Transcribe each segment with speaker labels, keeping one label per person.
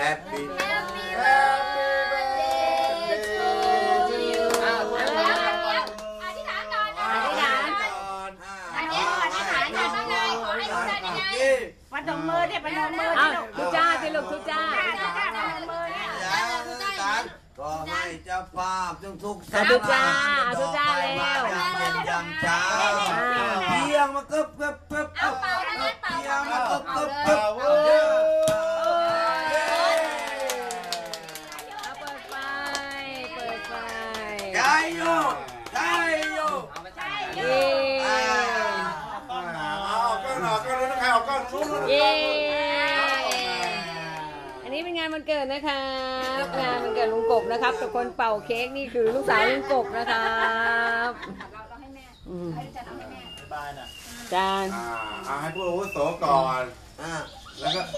Speaker 1: Happy
Speaker 2: birthday to you อธิษฐานก่อนอธิษฐานอธิษฐานก่อนว่าไงขอให้ทุกท่านยังไง
Speaker 3: ประนมมือเนี่ยประนมมือ
Speaker 4: ทุจ้าสิลูกทุจ้า
Speaker 1: ขอให้เจ้าภาพทุก
Speaker 4: ทุจ้าทุจ้าแล้ว
Speaker 1: เย็นยำเช้าเพียงมาเกิบ
Speaker 2: เอาเป่านะเป่า
Speaker 1: เพียงมาเกิบ
Speaker 4: เปิดไฟ
Speaker 1: ใจโยใจโย
Speaker 4: เย้เย้อันนี้เป็นงานวันเกิดนะครับงานวันเกิดลุงกบนะครับแต่คนเป่าเค้กนี่คือลูกสาวลุงกบนะครับ
Speaker 2: เราให้แม่ให้จานเอาให้แม่
Speaker 3: บายน่ะ
Speaker 4: จาน
Speaker 5: ให้ผู้อาวุโสก่อนแล้วก็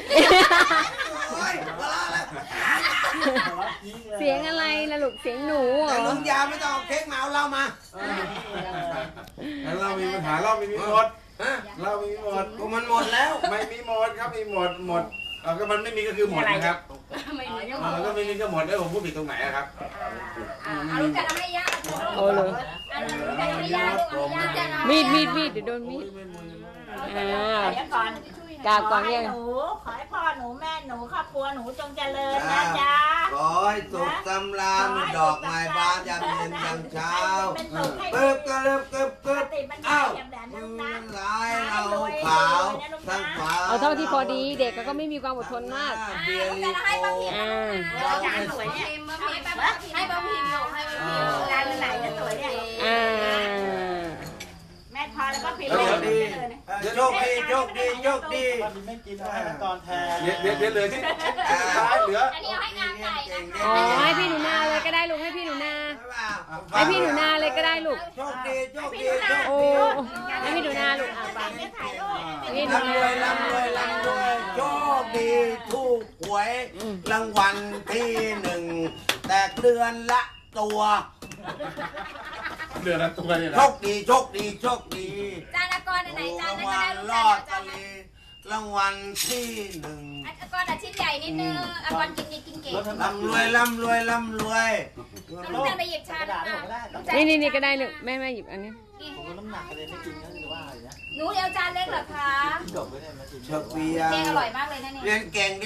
Speaker 4: เสียงอะไรล่ะลูกเสียงหนูเหรอ
Speaker 1: ลุงยาไม่ต้องเอาเค้กมาเอาเรามา
Speaker 5: เรามีปัญหาเราไม่มีหมดเราไม่มีหมด
Speaker 1: กูมันหมดแล้ว
Speaker 5: ไม่มีหมดครับมีหมดก็มันไม่มีก็คือหมดนะครับมันก็ไม่มีก็หมดแล้วผมพูดผิดตรงไหนครับ
Speaker 2: เอาลูกจันเอาให้ย่า
Speaker 4: โอ้เลยมีดเดี๋ยวโดนมีด
Speaker 3: เดี๋ยวก่อน
Speaker 4: กราบก่อนเนี่ย
Speaker 3: หนูขอให้พ่อหนูแม่หนูครอบครัวหนูจงเจริญนะจ๊ะ
Speaker 1: ขอให้สุขสำราญดอกไม้บานยามเย็นยามเช้าเกิบอ้าวมือลายเราขาวทั้งขาว
Speaker 4: เอาเท่าที่พอดีเด็กก็ไม่มีความอดทนมาก
Speaker 1: เบียร์ลิโก้
Speaker 2: ให้ป้าพิมพ์ให้ป้าพิมพ์
Speaker 3: ร้านไหนจะสวยเนี่ยแม่พอแล้วก็พิมพ์
Speaker 1: โชคดี
Speaker 3: ไม่กินให้มันตอนแทน
Speaker 5: เดี๋ยวเหลือที่ท้ายเหลือ
Speaker 2: อันนี้เอาให้งานไก่นะคะ
Speaker 4: อ๋อให้พี่หนูนาเลยก็ได้ลูกให้พี่หนูนาให้พี่หนูนาเลยก็ได้ลูก
Speaker 1: โชคดี
Speaker 4: โอ้ให้พี่หนูนาลูกไป
Speaker 1: นี่ร่ำรวยโชคดีถูกหวยรางวัลที่1แตกเดือนละตัว
Speaker 5: เดือนละตัวเนี่ย
Speaker 1: โชคดี
Speaker 2: จานกรไหนจานนั้นก็ได้ลูก
Speaker 1: รอดตะลีรางวัลที่1
Speaker 2: กรชิ้นใหญ่นิดนึงกรกินดีกินเก่ง
Speaker 1: ร่ำรวย
Speaker 2: ลูกจันไปหยิบชา
Speaker 4: นี่ก็ได้ลูกแม่หยิบอันนี้
Speaker 3: ผมน้ำหนักเลยไม่กินก็คือว่าอะไรนะ
Speaker 2: หนูเดียวจานเล็กเหรอคะ
Speaker 1: เชฟเบียร์
Speaker 2: เก่งอร่อยมากเลยนะเนี่ย
Speaker 1: เรียนเก่ง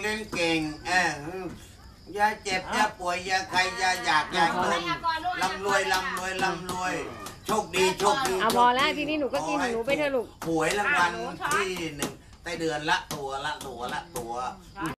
Speaker 1: อย่าเจ็บอย่าป่วยอย่าใครอย่าอยากอย่าจนร่ำรวยโชคดี
Speaker 4: เอาพอแล้วทีนี้หนูก็กินหนูไปเถอะลูก
Speaker 1: หวยรางวัลที่1ได้เดือนละตัว